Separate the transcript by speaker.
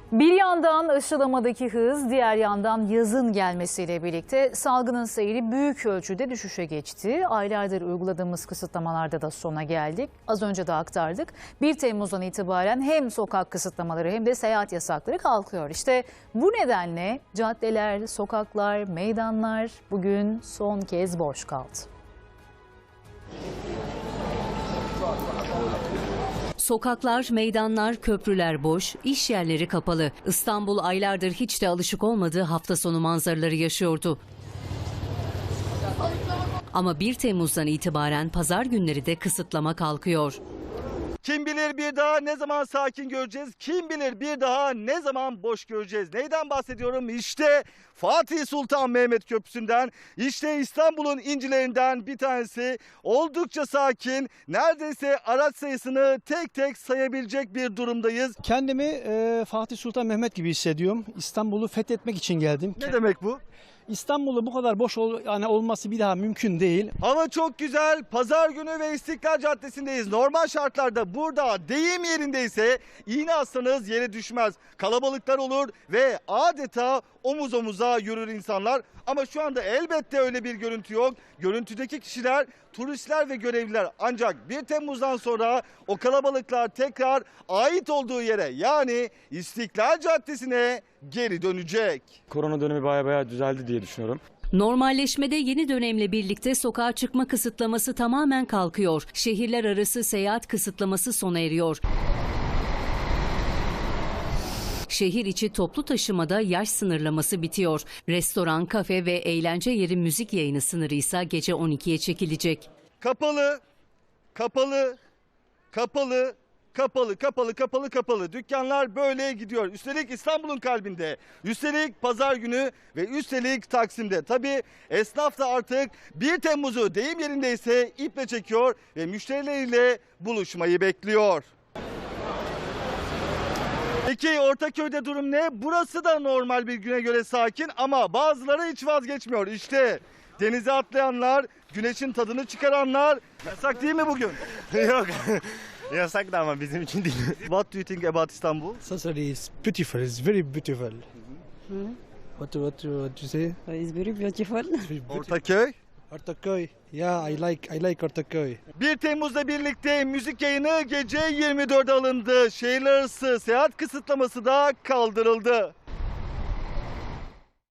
Speaker 1: Bir yandan aşılamadaki hız, diğer yandan yazın gelmesiyle birlikte salgının seyri büyük ölçüde düşüşe geçti. Aylardır uyguladığımız kısıtlamalarda da sona geldik. Az önce de aktardık. 1 Temmuz'dan itibaren hem sokak kısıtlamaları hem de seyahat yasakları kalkıyor. İşte bu nedenle caddeler, sokaklar, meydanlar bugün son kez boş kaldı.
Speaker 2: Sokaklar, meydanlar, köprüler boş, iş yerleri kapalı. İstanbul aylardır hiç de alışık olmadığı hafta sonu manzaraları yaşıyordu. Ama 1 Temmuz'dan itibaren pazar günleri de kısıtlama kalkıyor.
Speaker 3: Kim bilir bir daha ne zaman sakin göreceğiz? Kim bilir bir daha ne zaman boş göreceğiz? Neyden bahsediyorum? İşte Fatih Sultan Mehmet Köprüsü'nden, işte İstanbul'un incilerinden bir tanesi. Oldukça sakin, neredeyse araç sayısını tek tek sayabilecek bir durumdayız.
Speaker 4: Kendimi Fatih Sultan Mehmet gibi hissediyorum. İstanbul'u fethetmek için geldim.
Speaker 3: Ne demek bu?
Speaker 4: İstanbul'u bu kadar boş olması bir daha mümkün değil.
Speaker 3: Hava çok güzel. Pazar günü ve İstiklal Caddesi'ndeyiz. Normal şartlarda burada deyim yerindeyse iğne atsanız yere düşmez. Kalabalıklar olur ve adeta omuz omuza yürür insanlar. Ama şu anda elbette öyle bir görüntü yok. Görüntüdeki kişiler turistler ve görevliler. Ancak 1 Temmuz'dan sonra o kalabalıklar tekrar ait olduğu yere, yani İstiklal Caddesi'ne geri dönecek.
Speaker 5: Korona dönemi bayağı düzeldi diye düşünüyorum.
Speaker 2: Normalleşmede yeni dönemle birlikte sokağa çıkma kısıtlaması tamamen kalkıyor. Şehirler arası seyahat kısıtlaması sona eriyor. Şehir içi toplu taşımada yaş sınırlaması bitiyor. Restoran, kafe ve eğlence yeri müzik yayını sınırı ise gece 12'ye çekilecek.
Speaker 3: Kapalı, kapalı, kapalı, kapalı, kapalı, kapalı, kapalı. Dükkanlar böyle gidiyor. Üstelik İstanbul'un kalbinde. Üstelik pazar günü ve üstelik Taksim'de. Tabii esnaf da artık 1 Temmuz'u deyim yerindeyse iple çekiyor ve müşterileriyle buluşmayı bekliyor. Peki Ortaköy'de durum ne? Burası da normal bir güne göre sakin ama bazıları hiç vazgeçmiyor. İşte denize atlayanlar, güneşin tadını çıkaranlar. Yasak değil mi bugün?
Speaker 6: Yok. Yasak da ama bizim için değil.
Speaker 3: What do you think about Istanbul?
Speaker 4: Sassari is beautiful. It's very beautiful. What you say?
Speaker 7: It's very beautiful.
Speaker 3: Ortaköy.
Speaker 4: Ortaköy. Yeah, I like Ortaköy.
Speaker 3: 1 Temmuz'la birlikte müzik yayını gece 24'e alındı. Şehirler arası seyahat kısıtlaması da kaldırıldı.